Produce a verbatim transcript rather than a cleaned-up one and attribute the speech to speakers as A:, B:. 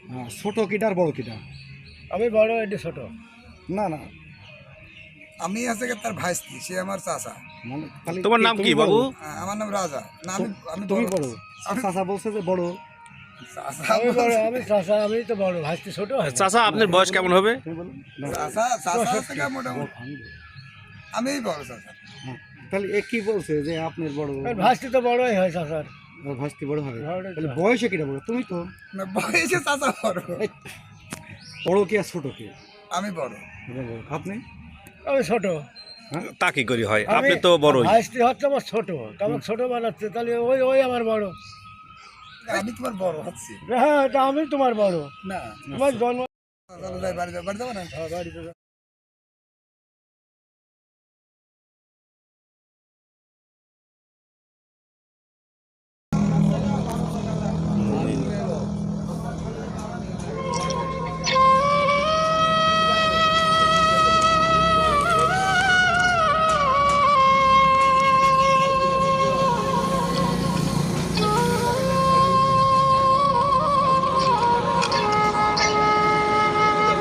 A: হ্যাঁ, ছোট কিটা আর বড় কিটা?
B: আমি বড়, এটা ছোট।
A: না না,
C: আমি আছে কি তার ভাইস্তি, সে আমার চাচা।
A: মানে খালি
D: তোমার
A: কে-
D: নাম
A: তুমি
D: কি
A: বড়?
D: বাবু?
C: হ্যাঁ, আমার নাম রাজা। না আমি আমি
A: তুমি বড়?
C: আমি
A: চাচা বলছে যে বড়।
C: চাচা
B: আমি বড়,
C: বলছে-
B: আমি চাচা, আমি তো বড়, ভাইস্তি ছোট হয় না।
D: চাচা আপনার বয়স কেমন হবে?
A: তুমি বলো না,
C: চাচা চাচা আছে কি মোটামুটি
A: আমি বড়।
C: আমিই বড় চাচা।
A: হ্যাঁ, তাহলে এ কি বলছে যে আপনার বড়?
B: আর ভাইস্তি তো বড়ই হয় চাচার।
A: আর ভাস্তি বড় হবে?
B: বড়ই তো।
A: তাহলে বয়সে কিটা বড়? তুমি তো।
C: না বয়সে চাচা বড়,
A: এই, বড় কি আর ছোট কি?
C: আমি বড়।
A: এটা বড়। আপনি?
B: আমি ছোট।
D: তা কি করি হয়,
B: আমি-
D: আপনি তো বড়ই।
B: ভাইস্তি হচ্ছে আমার ছোট, তো আমার ছোট বানাচ্ছে, তাহলে ওই ওই আমার বড়।
C: আমি তোমার বড় হচ্ছি
B: হ্যাঁ, এটা আমি তোমার বড়।
C: না।
B: তোমার জন্ম
C: চলো যাই বাড়ি যাও, বাড়ি যাবো না।
B: হ্যাঁ, বাড়িতে যাও।